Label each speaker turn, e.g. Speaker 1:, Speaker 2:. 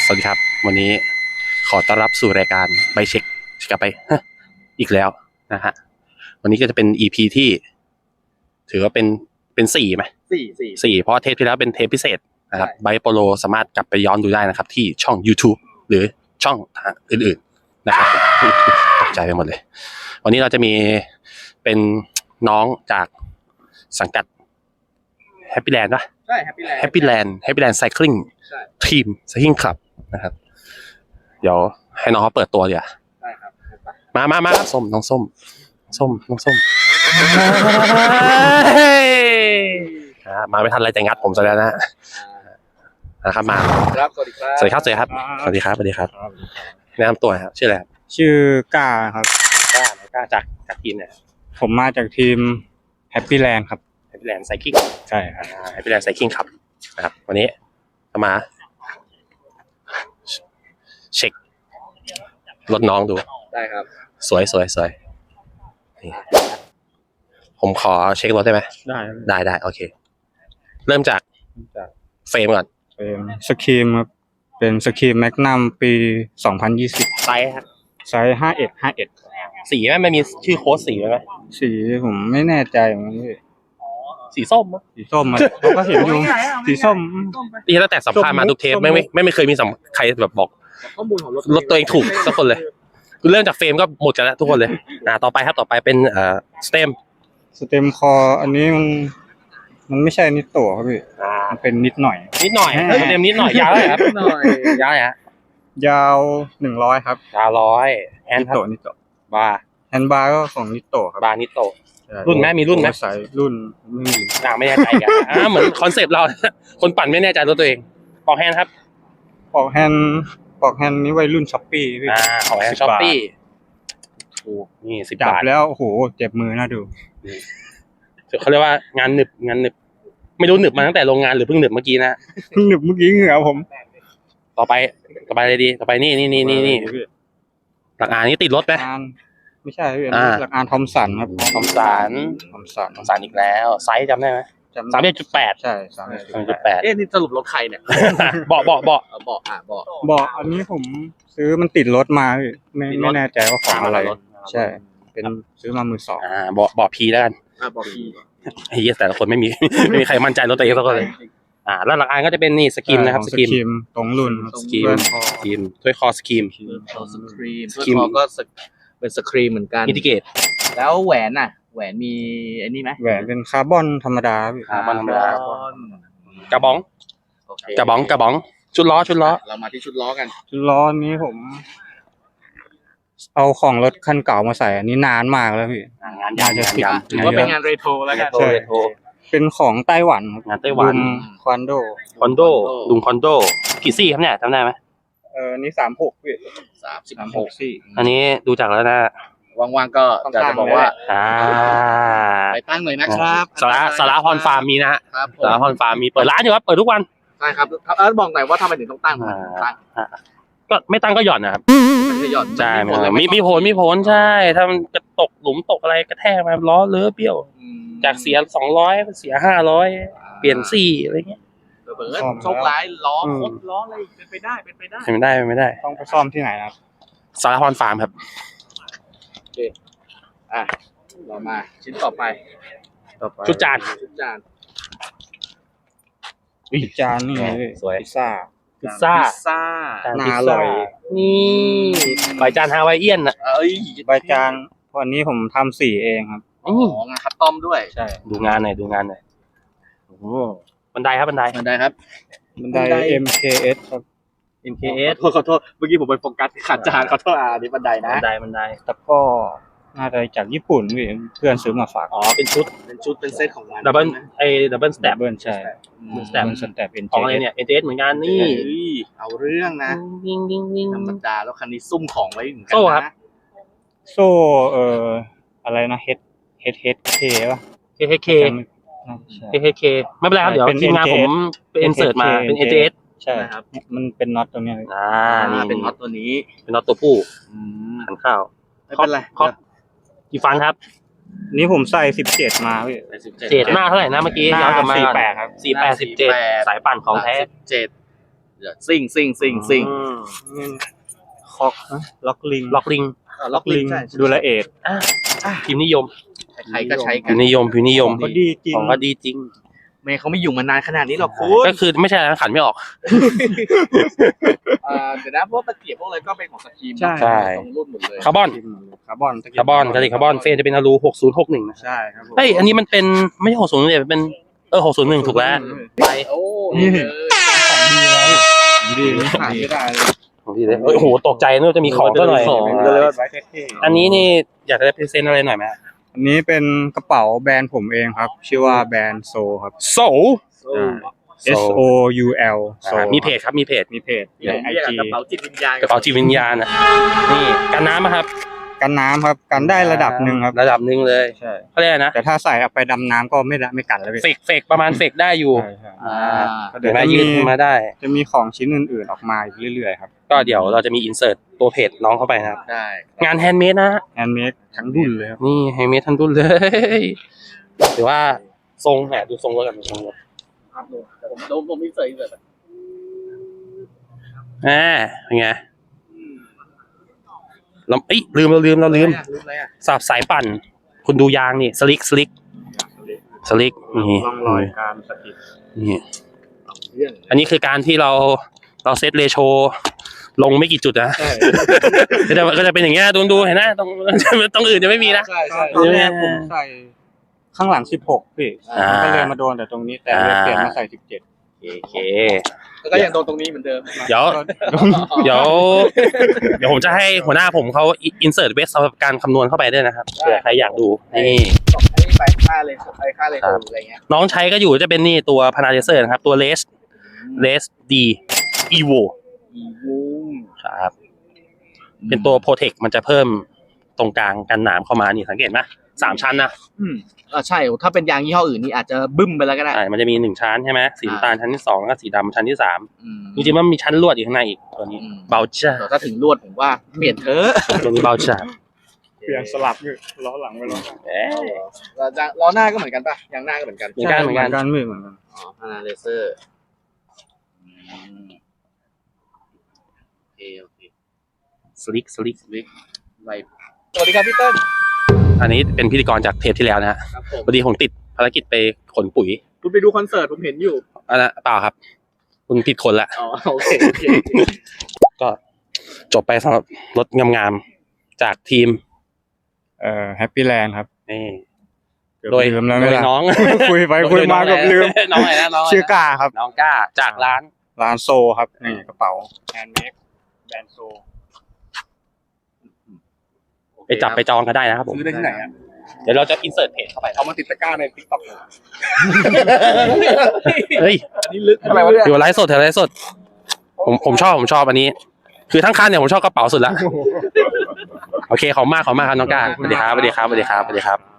Speaker 1: สวัสดีครับวันนี้ขอต้อนรับสู่รายการใบเช็คกลับไปอีกแล้วนะฮะวันนี้ก็จะเป็น EP ที่ถือว่าเป็น4ไหมสี่เพราะเทปที่แล้วเป็นเทปพิเศษนะครับไบโปโลสามารถกลับไปย้อนดูได้นะครับที่ช่อง YouTube หรือช่องอื่นๆนะครับตกใจไปหมดเลยวันนี้เราจะมีเป็นน้องจากสังกัดแฮปปี้แลนด์ป่ะ
Speaker 2: ใช่ Happy Land
Speaker 1: Happy Land Cycling ทีม Cycling Club นะครับเดี๋ยวให้น้องเขาเปิดตัวเดี๋ยว
Speaker 2: ได้ครับ
Speaker 1: มาส้มน้องส้มมาไม่ทันอะไรแต่งัดผมซะแล้วนะครับมา
Speaker 2: ครับสวัสดีครับ
Speaker 1: สวัสดีครับแนะนำตัวครับชื่ออะไรครับ
Speaker 3: ชื่อกล้าครับ
Speaker 1: กล้าจากทีมเนี่ย
Speaker 3: ผมมาจากทีม Happy Land ครับ
Speaker 1: Happy Land Cycling
Speaker 3: ใช่ครับ
Speaker 1: Happy Land Cycling ครับนะครับวันนี้มาเช็ครถน้องดู
Speaker 2: ได้ครับ
Speaker 1: สวยนี่ผมขอเช็ครถได้ไหมได้โอเคเริ่มจากเฟรมก่อน
Speaker 3: เฟรมสครีมครับเป็นสครีมแมกนัมปี2020
Speaker 1: ไซส์ครับ
Speaker 3: ไซส์51
Speaker 1: สีไม่มีชื่อโค้ดสีไหม
Speaker 3: สีผมไม่แน่ใจเหมือนกันพี่
Speaker 1: สีส้ม
Speaker 3: สีส้มมันเขาก็เห็นอยู่สีส้ม
Speaker 1: นี่ตั้งแต่สัมภาษณ์มาทุกเทปไม่เคยมีใครแบบบอก
Speaker 2: ข้อมูลของ
Speaker 1: รถตัวเองถูกสักคนเลยเริ่มจากเฟรมก็หมดกันแล้วทุกคนเลยต่อไปเป็นสเต็ม
Speaker 3: คออันนี้มันไม่ใช่นิดโตครับพี่มันเป็นนิดหน่อย
Speaker 1: สเต็มนิดหน่อยยาวเลยครับยาวฮะ
Speaker 3: ยาว100ครับ
Speaker 1: ยาว100
Speaker 3: แอนนิโต
Speaker 1: บาร์
Speaker 3: แฮนด์บาร์ก็ของนิโตครับ
Speaker 1: บาร์นิโตรุ่นไหมมีรุ่นไหม
Speaker 3: ใส่รุ่นไม่มี
Speaker 1: ไม่แน่ใจกันเหมือนคอนเซปต์เราคนปั่นไม่แน่ใจรถตัวเองปอกแฮนด์ครับ
Speaker 3: ปอกแฮนด์นี้วัยรุ่นช้อปปี้พี่
Speaker 1: ปอกแฮนด์ช้อปปี้ถูกนี่10 บาท
Speaker 3: แล้วโอ้โหเจ็บมือน่าดู
Speaker 1: เขาเรียกว่างานหนึบไม่รู้หนึบมาตั้งแต่โรงงานหรือเพิ่งหนึบเมื่อกี้นะ
Speaker 3: เพิ่งหนึบเมื่อกี้เหงื่อผม
Speaker 1: ต่อไปเลยดีต่อไปนี่หลักอ่านนี้ติดรถไหม
Speaker 3: ไม่ใช่พี่หลักอ่านทอมสันครับ
Speaker 1: ทอมสันอีกแล้วไซส์จำได้ไหม31.8
Speaker 3: ใช่
Speaker 1: 31.8
Speaker 2: นี่สรุปรถใครเนี่ย
Speaker 1: เบา
Speaker 3: อันนี้ผมซื้อมันติดรถมาพี่ไม่แน่ใจว่าของอะไรใช่เป็นซื้อมามือสอง
Speaker 1: เบาพีแล้วกัน
Speaker 2: เบาพี
Speaker 1: ไอ้เหี้ยแต่ละคนไม่มีใครมั่นใจรถตัวเองสักคนเลยแล้วหลักอ่านก็จะเป็นนี่สกิมนะครับสกิม
Speaker 3: ตรงรุ่น
Speaker 1: สกิมถ้วยคอสกิม
Speaker 2: ก็เป็นสครีมเหมือนกัน
Speaker 1: อินดิเกต
Speaker 2: แล้วแหวนมีไอ้นี่ไหม
Speaker 3: แหวนเป็นคาร์บอนธรรมดา
Speaker 1: คาร์บอนธรรมดากระบองชุดล้อ
Speaker 2: เรามาที่ชุดล้อกัน
Speaker 3: ชุดล้อนี้ผมเอาของรถคันเก่ามาใส่อันนี้นานมากแล้วพี่
Speaker 1: งานยาว
Speaker 2: ถือว่าเป็นงานเรโทรแล้วกัน
Speaker 3: เป็นของไต้หวัน
Speaker 1: งานไต้หวัน
Speaker 3: คอนโด
Speaker 1: ลุงคอนโดกี่ซี่ครับเนี่ยจำได้ไหม
Speaker 3: นี่36พี่
Speaker 2: 36ซี่
Speaker 1: อันนี้ดูจากแล้วนะ
Speaker 2: ว่างๆก็จะบอกว่าไปตั้งเลยนะครับ
Speaker 1: สาระฮอนฟาร์มมีนะฮะสาระฮอนฟาร์มมีเปิดร้านอยู่ครับเปิดทุกวัน
Speaker 2: ใช่ครับบอกหน่อยว่าทำไมถึงต้องตั้ง
Speaker 1: ก็ไม่ตั้งก็หย่อนนะครับ
Speaker 2: ไม่หย่อน
Speaker 1: ใช่มีผลใช่ถ้ามันจะตกหลุมตกอะไรกระแทกมาล้อเลอะเบี้ยวจากเสีย200เสีย500เปลี่ยนซี่อะไรเงี้ย
Speaker 2: โชคร้ายล้อคดล้ออะไรเป็นไปได้
Speaker 3: ต้องไปซ่อมที่ไหนครับ
Speaker 1: สาระฮอนฟาร์มครับ
Speaker 2: โอเคเรามาชิ้นต่อไป
Speaker 1: ชุดจาน
Speaker 3: นี่
Speaker 1: สวย
Speaker 3: พิซซ่า
Speaker 1: น่าอร่อยนี่ใบจานฮาวายเอียนน่ะ
Speaker 3: ใบจานวันนี้ผมทำสีเองครับ
Speaker 2: งานคัสตอมด้วย
Speaker 3: ใช่
Speaker 1: ดูงานหน่อยบันไดครับ
Speaker 2: บันได
Speaker 3: MKS ครับ
Speaker 2: MKS ขอโทษเมื่อกี้ผมไปโฟกัสขัดจานขอโทษนี่บันไดนะ
Speaker 1: บันได
Speaker 3: แต่ก็น่าจะจากญี่ปุ่นเพื่อนซื้อมาฝาก
Speaker 1: เป็นชุด
Speaker 2: เป็นเซตของมัน
Speaker 1: ดับเบิลสแตป
Speaker 3: ใช่
Speaker 1: สแตปของอะไรเนี่ย NTS เหมือนกันนี่
Speaker 2: เอาเรื่องนะธรรมดาแล้วคันนี้ซุ่มของไว้เหมือนกัน
Speaker 1: โซ่ครับ
Speaker 3: โซ่อะไรนะ HK ป่ะ
Speaker 1: HK ไม่เป็นไรครับเดี๋ยวทีมงานผมเป็นอินเสิร์ตมาเป็น NTS
Speaker 3: ใช่ครับมันเป็นน็อตตัวนี้
Speaker 2: นี่เป็นน็อตตัวนี้
Speaker 1: เป็นน็อตตัวผู้หันข้าว
Speaker 2: ไม่เป็นไร
Speaker 1: กี่ฟันครับ
Speaker 3: นี่ผมใส่17มาพี่
Speaker 1: 7มากเท่าไหร่นะเมื่อกี้ย้อนกลับมา
Speaker 3: 48ครับ
Speaker 1: 48 17สายปั่นของแท้
Speaker 2: ซิ่ง
Speaker 3: คอกนะล็อกลิง
Speaker 1: ล็อกลิง
Speaker 2: ล็อกลิงใช่
Speaker 3: ดูละเอียด
Speaker 1: พิมพ์นิยม
Speaker 2: ใครก็ใช้กั
Speaker 1: พิ
Speaker 2: น
Speaker 1: มพ์นิยมพิมพ์นิยม
Speaker 3: ก็ดีจริง
Speaker 1: ของก็ดีจริง
Speaker 2: ไม่เขาไม่อยู่มานานขนาดนี้หรอกคุณ
Speaker 1: ก็คือไม่ใช่นะขันไม่ออก
Speaker 2: เดี๋ยวนะพวกตะเกียบพวกอะไรก็เป็นของสกีม
Speaker 3: ใช่
Speaker 1: ใช่
Speaker 2: ตรงรุ่นหมดเลย
Speaker 1: คาร์บอน
Speaker 3: คาร์บอน
Speaker 1: คาร์บอนกระดิ่งคาร์บอนเฟรมจะเป็นอลู6061นะ
Speaker 3: ใช่ครับผม
Speaker 1: เฮ้ยอันนี้มันเป็นไม่ใช่601เนี่ยเป็น601ถูกแล้ว
Speaker 2: ไปโอ้นี่
Speaker 3: ดีนี่ขาดไม่ได้เลย
Speaker 1: ของพี่เลยโอ้โหตกใจนึกว่าจะมีของก็หน่อย
Speaker 3: ก็เลยว่าไว้เท่
Speaker 1: อันนี้นี่อยากจะได้พรีเซนต์อะไรหน่อยไหม
Speaker 3: ๆอันนี้เป็นกระเป๋าแบรนด์ผมเองครับ ชื่อว่าแบรนด์โซครับ
Speaker 1: โซ
Speaker 3: S O U L โซ
Speaker 1: มีเพจครับมีเพจ
Speaker 3: มีเพจ
Speaker 2: เรี
Speaker 3: ใน
Speaker 2: ยก
Speaker 3: ไอจี
Speaker 2: กระเป๋าจิตวิญญาณ
Speaker 1: กระเป๋าจิตวิญญาณนะนี่กันน้ำอะครับ
Speaker 3: กันน้ำครับกันได้ระดับหนึ่งครับ
Speaker 1: ระดับหนึ่งเลย
Speaker 3: ใช่
Speaker 1: เขาเรียกอะไรนะ
Speaker 3: แต่ถ้าใส่เอาไปดำน้ำก็ไม่กันแล้วพี่
Speaker 1: เฟกประมาณเฟกได้อยู่
Speaker 3: ใช่ใช่
Speaker 1: เดี๋ยวมายืดขึ้นมาได้
Speaker 3: จะมีของชิ้นอื่นๆออกมาอีกเรื่อยๆครับ
Speaker 1: ก็เดี๋ยวเราจะมีอินเสิร์ตตัวเพจน้องเข้าไปนะครับ
Speaker 2: ได้
Speaker 1: งานแฮนด์เมดนะ
Speaker 3: แฮนด์เมดทั้งรุ่นเลยครับ
Speaker 1: นี่แฮนด์เมดทั้งรุ่นเลย หรือว่าทรงแหมดูทรงรถกันดูทรงรถ
Speaker 2: ครับผมมีเสิร์ฟ
Speaker 1: เป็นไงเราลืม
Speaker 2: ลืมอะไรอ่ะ
Speaker 1: สับสายปั่น คุณดูยางนี่สลิกนี่
Speaker 3: ร่องรอยการสกิด
Speaker 1: นี่ อันนี้คือการที่เราเซตเรโชลงไม่กี่จุดนะก็จะเป็นอย่างเงี้ยดูเห็นไหมตรงอื่นจะไม่มีนะ
Speaker 2: ใช่
Speaker 3: ตอนแรกผมใส่ข้างหลัง16พี่
Speaker 1: อ่า
Speaker 3: ก็เลยมาโดนแต่ตรงนี้แต่เลยเปลี่ยนมาใส่17
Speaker 1: โอเค
Speaker 2: แล้วก็ยังโดนตรงนี้เหมือนเดิม
Speaker 1: เดี๋ยวผมจะให้หัวหน้าผมเขาอินเสิร์ตเวสสำหรับการคำนวณเข้าไปด้วยนะครับเผื่อใครอยากดูนี่
Speaker 2: ไอ้ไปค่าเลยอะไรเงี้ย
Speaker 1: น้องใช้ก็อยู่จะเป็นนี่ตัวพานาเลเซอร์นะครับ ตัวเลสดีอีโวครับเป็นตัวโปรเทคมันจะเพิ่มตรงกลางกันหนามเข้ามานี่สังเกตไหม3 ชั้นนะ
Speaker 2: ใช่ถ้าเป็นยางยี่ห้ออื่นนี่อาจจะบึ้มไปแล้วก็ได้
Speaker 1: ใช่มันจะมี1ชั้นใช่ไหมสีน้ำตาลชั้นที่2แล้วก็สีดำชั้นที่3จริงๆมันมีชั้นลวดอยู่ข้างในอีกตัวนี้เบลจ้า
Speaker 2: แต่ถ้าถึงลวดผมว่าเปลี่ยนเถอะ
Speaker 1: ตัวนี้เบลจ้า
Speaker 3: เปลี่ยนสลับอยู่ล้อหลังไปล้อ
Speaker 2: ล้อหน้าก็เหมือนกันป่ะยางหน้าก็เหมือนกัน
Speaker 1: เหมือนกัน
Speaker 3: เหมือนกัน
Speaker 2: พานาเลเซอร์โอเค
Speaker 1: สลิก
Speaker 2: ไวสวัสดีครับพี่เติ้ล
Speaker 1: อันนี้เป็นพิธีกรจากเทปที่แล้วนะฮะ
Speaker 2: ครับผม
Speaker 1: พอดีผมติดภารกิจไปขนปุ๋ย
Speaker 2: คุณไปดูคอนเสิร์ตผมเห็นอยู่
Speaker 1: อันนั้นเปล่าครับ คุณผิดคนละ
Speaker 2: อ๋อโอเค
Speaker 1: ก็จบไปสำหรับรถงามๆจากทีม
Speaker 3: แฮปปี้แลนด์ครับ
Speaker 1: นี่
Speaker 3: โดยลืมแล้วไม่ละ
Speaker 1: น้อง
Speaker 3: คุยไปคุยมากับลืม
Speaker 1: น้องอะไรนะน้องอะไรนะ
Speaker 3: ชื่อกาครับ
Speaker 1: น้องก้าจากร้าน
Speaker 3: ร้านโซครับนี่กระเป๋าแฮนด์เมดแบรนด์โซ
Speaker 1: ไปจับไปจองก็ได้นะครับผม
Speaker 3: ซื้อได้ที่ไหนอ่ะ
Speaker 1: เดี๋ยวเราจะอินเสิร์ตเพจเข้าไป
Speaker 3: เอามาติดตะกร้าใน TikTok
Speaker 1: เฮ้ย
Speaker 2: อันนี้ลึกอะไรวะ
Speaker 1: เดี๋ยวไลฟ์สดผมชอบอันนี้ คือทั้งคันเนี่ยผมชอบกระเป๋าสุดละโอเคขอบคุณมากครับน้องก้าสวัสดีครับ